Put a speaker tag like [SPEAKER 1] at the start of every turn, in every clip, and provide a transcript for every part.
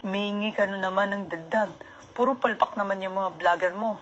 [SPEAKER 1] Humihingi ka na naman ng dagdag. Puro palpak naman yung mga vlogger mo.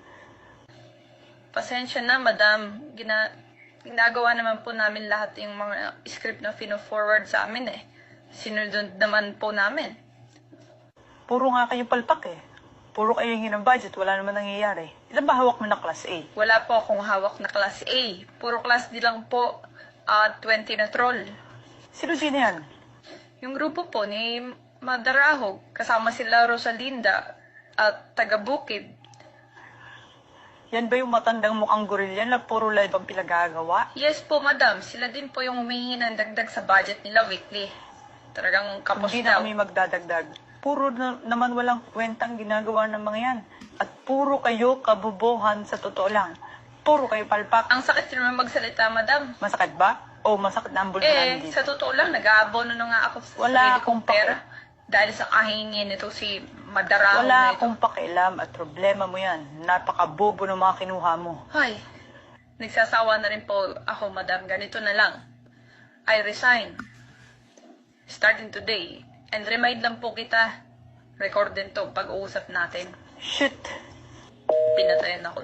[SPEAKER 2] Pasensya na, madam. Ginagawa naman po namin lahat yung mga script na fino-forward sa amin eh. Sinunod naman po namin.
[SPEAKER 1] Puro nga kayo palpak eh. Puro kayo hingi ng budget, wala naman nangyayari. Ilan ba hawak mo na class A?
[SPEAKER 2] Wala po akong hawak na class A. Puro class D lang po, 20 na troll.
[SPEAKER 1] Sino yan?
[SPEAKER 2] Yung grupo po ni Madarahog, kasama sila Rosalinda at taga-Bukid.
[SPEAKER 1] Yan ba yung matandang mukhang gorilya na puro live ang pinagagawa?
[SPEAKER 2] Yes po, madam. Sila din po yung humihingi ng dagdag sa budget nila weekly. Talagang kapos
[SPEAKER 1] Hindi na
[SPEAKER 2] daw.
[SPEAKER 1] kami magdadagdag. Puro naman walang kwentang ginagawa ng mga yan. At puro kayo kabubuhan sa totoo lang. Puro kayo palpak.
[SPEAKER 2] Ang sakit naman magsalita, madam.
[SPEAKER 1] Masakit ba? O masakit na ang bulbulan dito?
[SPEAKER 2] Sa totoo lang, nag-aabono na nga ako sa
[SPEAKER 1] Wala
[SPEAKER 2] sarili
[SPEAKER 1] akong
[SPEAKER 2] kong pera. Dahil sa kahingin nito si Madarahog
[SPEAKER 1] Wala
[SPEAKER 2] na ito.
[SPEAKER 1] akong pakialam at problema mo yan. Napakabobo ng mga kinuha mo.
[SPEAKER 2] Ay, nagsasawa na rin po ako, madam. Ganito na lang. I resign. Starting today. And remind lang po kita, record din to pag-uusap natin.
[SPEAKER 1] Shit!
[SPEAKER 2] Pinatayan ako.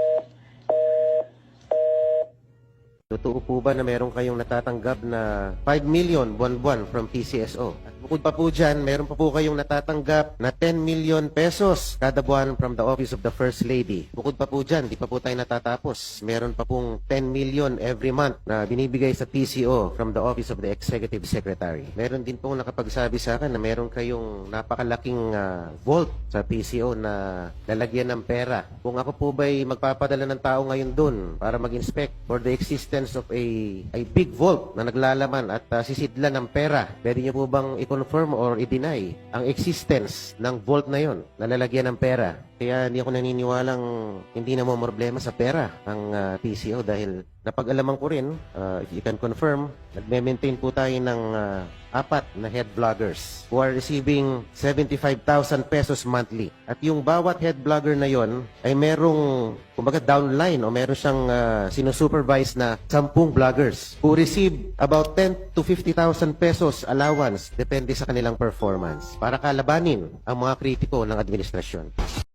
[SPEAKER 3] Totoo po ba na meron kayong natatanggap na 5 million buwan-buwan from PCSO? At bukod pa po dyan, meron pa po kayong natatanggap na 10 million pesos kada buwan from the Office of the First Lady. Bukod pa po dyan, di pa po tayo natatapos. Meron pa pong 10 million every month na binibigay sa PCO from the Office of the Executive Secretary. Meron din pong nakapagsabi sa akin na meron kayong napakalaking vault sa PCO na lalagyan ng pera. Kung ako po ba'y magpapadala ng tao ngayon dun para mag-inspect for the existence of a big vault na naglalaman at sisidlan ng pera, pwede niyo po bang i-confirm or i-deny ang existence ng vault na yon na lalagyan ng pera? Kaya hindi ako naniniwalang hindi na mo problema sa pera ang PCO dahil napag-alaman ko rin, if you can confirm, nagme-maintain po tayo ng 4 na head vloggers who are receiving 75,000 pesos monthly. At yung bawat head vlogger na yon ay merong, kumbaga downline o meron siyang sinusupervise na 10 vloggers who receive about 10 to 50,000 pesos allowance depende sa kanilang performance para kalabanin ang mga kritiko ng administrasyon.